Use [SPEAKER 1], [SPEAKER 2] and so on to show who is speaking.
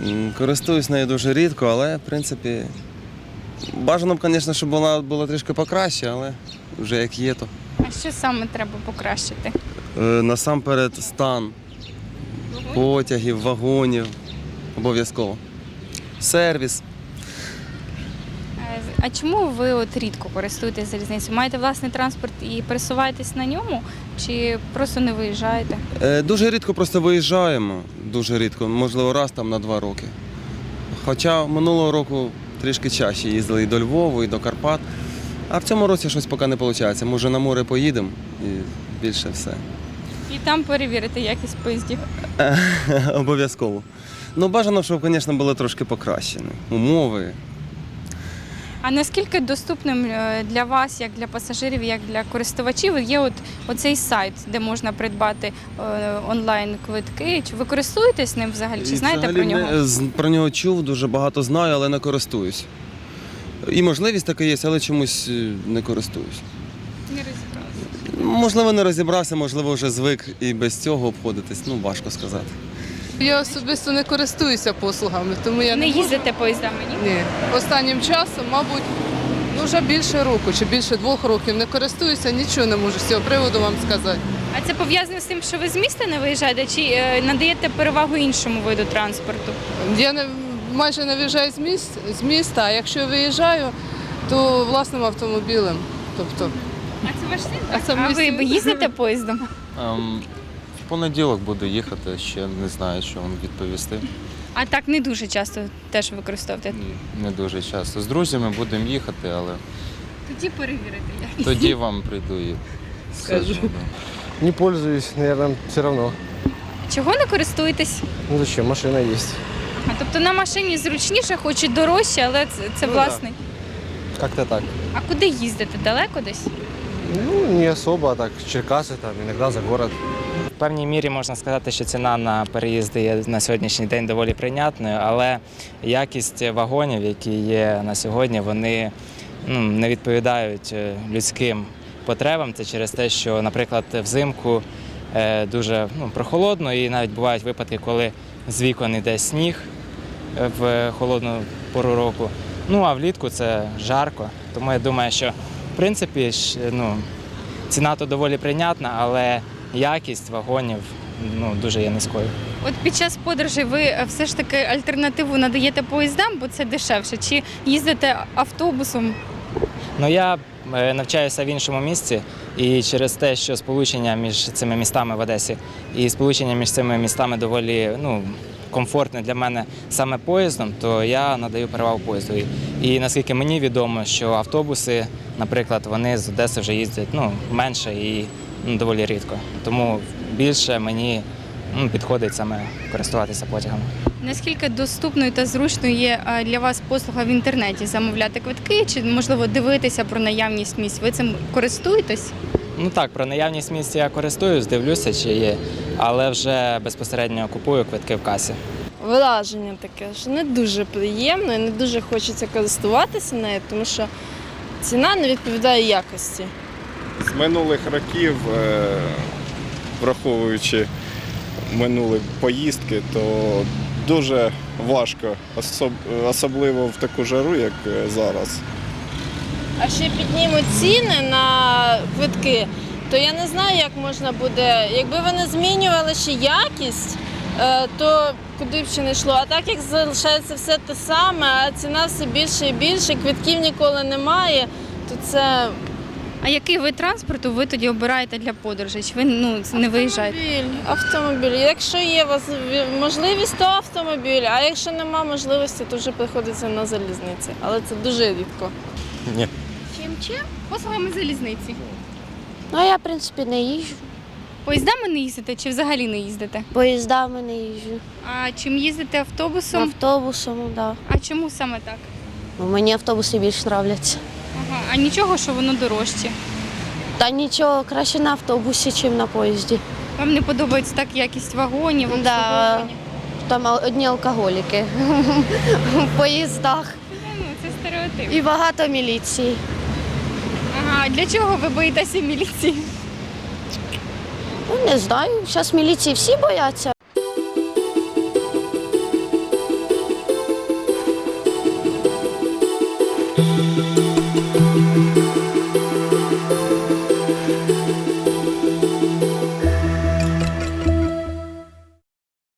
[SPEAKER 1] Користуюсь нею дуже рідко, але, в принципі, бажано б, звісно, щоб вона була трішки покраще, але вже як є, то.
[SPEAKER 2] А що саме треба покращити?
[SPEAKER 1] Насамперед стан потягів, вагонів, обов'язково. Сервіс.
[SPEAKER 2] А чому ви от рідко користуєтесь залізницею? Маєте власний транспорт і пересуваєтесь на ньому, чи просто не виїжджаєте?
[SPEAKER 1] Дуже рідко просто виїжджаємо, дуже рідко, можливо, раз там на 2 роки. Хоча минулого року трішки чаще їздили і до Львова, і до Карпат. А в цьому році щось поки не виходить. Може на море поїдемо і більше все.
[SPEAKER 2] І там перевірити якість поїздів.
[SPEAKER 1] Обов'язково. Ну, бажано, щоб, звісно, були трошки покращені умови.
[SPEAKER 2] А наскільки доступним для вас, як для пасажирів, як для користувачів, є оцей сайт, де можна придбати онлайн-квитки? Чи ви користуєтесь ним взагалі? Чи знаєте про нього?
[SPEAKER 1] Про нього чув, дуже багато знаю, але не користуюсь. І можливість така є, але чомусь не користуюсь.
[SPEAKER 2] Не розібралися.
[SPEAKER 1] Можливо, не розібрався, можливо, вже звик і без цього обходитись. Ну, важко сказати.
[SPEAKER 3] Я особисто не користуюся послугами, тому я
[SPEAKER 2] Не
[SPEAKER 3] можу.
[SPEAKER 2] їздите поїздами, ні?
[SPEAKER 3] Ні. Останнім часом, мабуть, вже більше року чи більше 2 років не користуюся, нічого не можу з цього приводу вам сказати.
[SPEAKER 2] А це пов'язано з тим, що ви з міста не виїжджаєте, чи надаєте перевагу іншому виду транспорту?
[SPEAKER 3] Я майже не виїжджаю з міста, а якщо виїжджаю, то власним автомобілем. Тобто,
[SPEAKER 2] А це ваш син?
[SPEAKER 3] А це
[SPEAKER 2] А
[SPEAKER 3] мій
[SPEAKER 2] ви
[SPEAKER 3] син.
[SPEAKER 2] їздите поїздом?
[SPEAKER 4] В понеділок буду їхати, ще не знаю, що вам відповісти.
[SPEAKER 2] А так не дуже часто теж використовуєте?
[SPEAKER 4] Ні, не дуже часто. З друзями будемо їхати, але
[SPEAKER 2] Тоді перевірити як.
[SPEAKER 4] тоді вам прийду і скажу. да.
[SPEAKER 5] Не пользуюсь, наверное, все равно.
[SPEAKER 2] Чого не користуєтесь?
[SPEAKER 5] Ну зачем, машина есть.
[SPEAKER 2] А тобто на машині зручніше, хоч і дорожче, але це
[SPEAKER 5] Ну,
[SPEAKER 2] власний.
[SPEAKER 5] Как-то так.
[SPEAKER 2] А куди їздите? Далеко десь?
[SPEAKER 5] Ну, не особо, а так, Черкасы, там, иногда за город.
[SPEAKER 6] В певній мірі можна сказати, що ціна на переїзди є на сьогоднішній день доволі прийнятною, але якість вагонів, які є на сьогодні, вони не відповідають людським потребам. Це через те, що, наприклад, взимку дуже прохолодно і навіть бувають випадки, коли з вікон йде сніг в холодну пору року. Ну а влітку це жарко. Тому я думаю, що в принципі ціна то доволі прийнятна, але якість вагонів дуже є низькою.
[SPEAKER 2] От під час подорожей ви все ж таки альтернативу надаєте поїздам, бо це дешевше, чи їздите автобусом?
[SPEAKER 6] Я навчаюся в іншому місці, і через те, що сполучення між цими містами в Одесі і сполучення між цими містами доволі комфортне для мене саме поїздом, то я надаю перевагу поїзду. І наскільки мені відомо, що автобуси, наприклад, вони з Одеси вже їздять менше і доволі рідко. Тому більше мені підходить саме користуватися потягами.
[SPEAKER 2] Наскільки доступною та зручною є для вас послуга в інтернеті замовляти квитки, чи можливо дивитися про наявність місць? Ви цим користуєтесь?
[SPEAKER 6] Так, про наявність місць я користуюсь, дивлюся, чи є, але вже безпосередньо купую квитки в касі.
[SPEAKER 7] Враження таке, що не дуже приємно і не дуже хочеться користуватися нею, тому що ціна не відповідає якості.
[SPEAKER 8] З минулих років, враховуючи минулі поїздки, то дуже важко, особливо в таку жару, як зараз.
[SPEAKER 7] А ще піднімуть ціни на квитки, то я не знаю, як можна буде. Якби вони змінювали ще якість, то куди б ще не йшло. А так як залишається все те саме, а ціна все більше і більше, квитків ніколи немає, то це...
[SPEAKER 2] А який вид транспорту ви тоді обираєте для подорожей? Чи ви не виїжджаєте?
[SPEAKER 7] Автомобіль. Якщо є можливість, то автомобіль, а якщо немає можливості, то вже приходиться на залізниці. Але це дуже рідко.
[SPEAKER 5] Ні.
[SPEAKER 2] Чим? Послугами залізниці.
[SPEAKER 9] Ну, я, в принципі, не їжджу.
[SPEAKER 2] Поїздами не їздите чи взагалі не їздите?
[SPEAKER 9] Поїздами не їжджу.
[SPEAKER 2] А чим їздите автобусом?
[SPEAKER 9] Автобусом, так. Да.
[SPEAKER 2] А чому саме так?
[SPEAKER 9] Мені автобуси більш подобаються.
[SPEAKER 2] Ага. А нічого, що воно дорожче?
[SPEAKER 9] Та нічого, краще на автобусі, ніж на поїзді.
[SPEAKER 2] Вам не подобається так якість вагонів,
[SPEAKER 9] Да.
[SPEAKER 2] обслуговування?
[SPEAKER 9] Там одні алкоголіки в поїздах
[SPEAKER 2] Це стереотип.
[SPEAKER 9] і багато міліції.
[SPEAKER 2] Ага, для чого ви боїтеся міліції?
[SPEAKER 9] Ну, не знаю, зараз міліції всі бояться.